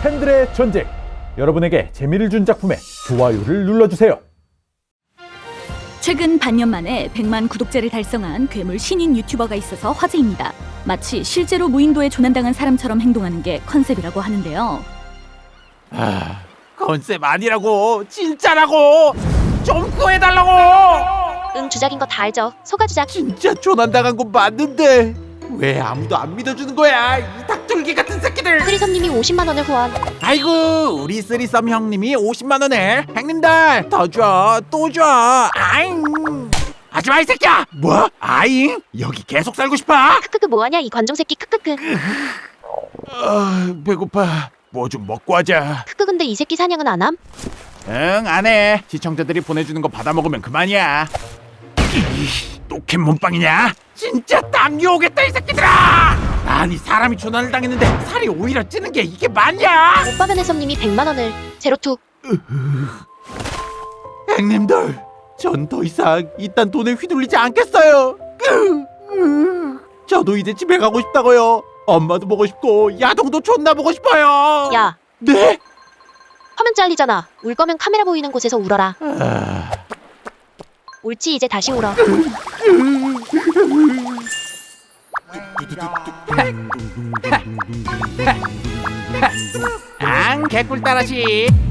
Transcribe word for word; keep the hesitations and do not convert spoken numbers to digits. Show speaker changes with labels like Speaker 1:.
Speaker 1: 팬들의 전쟁. 여러분에게 재미를 준 작품에 좋아요를 눌러주세요.
Speaker 2: 최근 반년 만에 백만 구독자를 달성한 괴물 신인 유튜버가 있어서 화제입니다. 마치 실제로 무인도에 조난당한 사람처럼 행동하는 게 컨셉이라고 하는데요.
Speaker 3: 아, 컨셉 아니라고, 진짜라고. 좀 구해달라고.
Speaker 4: 응, 주작인 거 다 알죠. 소가 주작.
Speaker 3: 진짜 조난당한 거 맞는데 왜 아무도 안 믿어주는 거야, 이 닭줄기 같은 새끼들.
Speaker 4: 쓰리섬님이 오십만 원을 후원.
Speaker 3: 아이고, 우리 쓰리썸 형님이 오십만 원을. 형님들 더 줘, 또 줘. 아잉, 하지마 이 새끼야. 뭐? 아잉? 여기 계속 살고 싶어?
Speaker 4: 크크크 뭐하냐 이 관종 새끼. 크크크.
Speaker 3: 아, 배고파. 뭐 좀 먹고 하자.
Speaker 4: 크크 근데 이 새끼 사냥은 안 함?
Speaker 3: 응, 안 해. 시청자들이 보내주는 거 받아 먹으면 그만이야. 이, 또 캔몬빵이냐? 진짜 당기 오겠다 이 새끼들아. 아니, 사람이 조난을 당했는데 살이 오히려 찌는 게 이게 맞냐?
Speaker 4: 오빠변의 섬님이 백만 원을. 제로투.
Speaker 3: 형님들, 전 더 이상 이딴 돈에 휘둘리지 않겠어요. 저도 이제 집에 가고 싶다고요. 엄마도 보고 싶고 야동도 존나 보고 싶어요.
Speaker 4: 야,
Speaker 3: 네?
Speaker 4: 화면 잘리잖아. 울 거면 카메라 보이는 곳에서 울어라.
Speaker 3: 아...
Speaker 4: 옳지, 이제 다시 울어.
Speaker 3: 앙, 개꿀 따라시.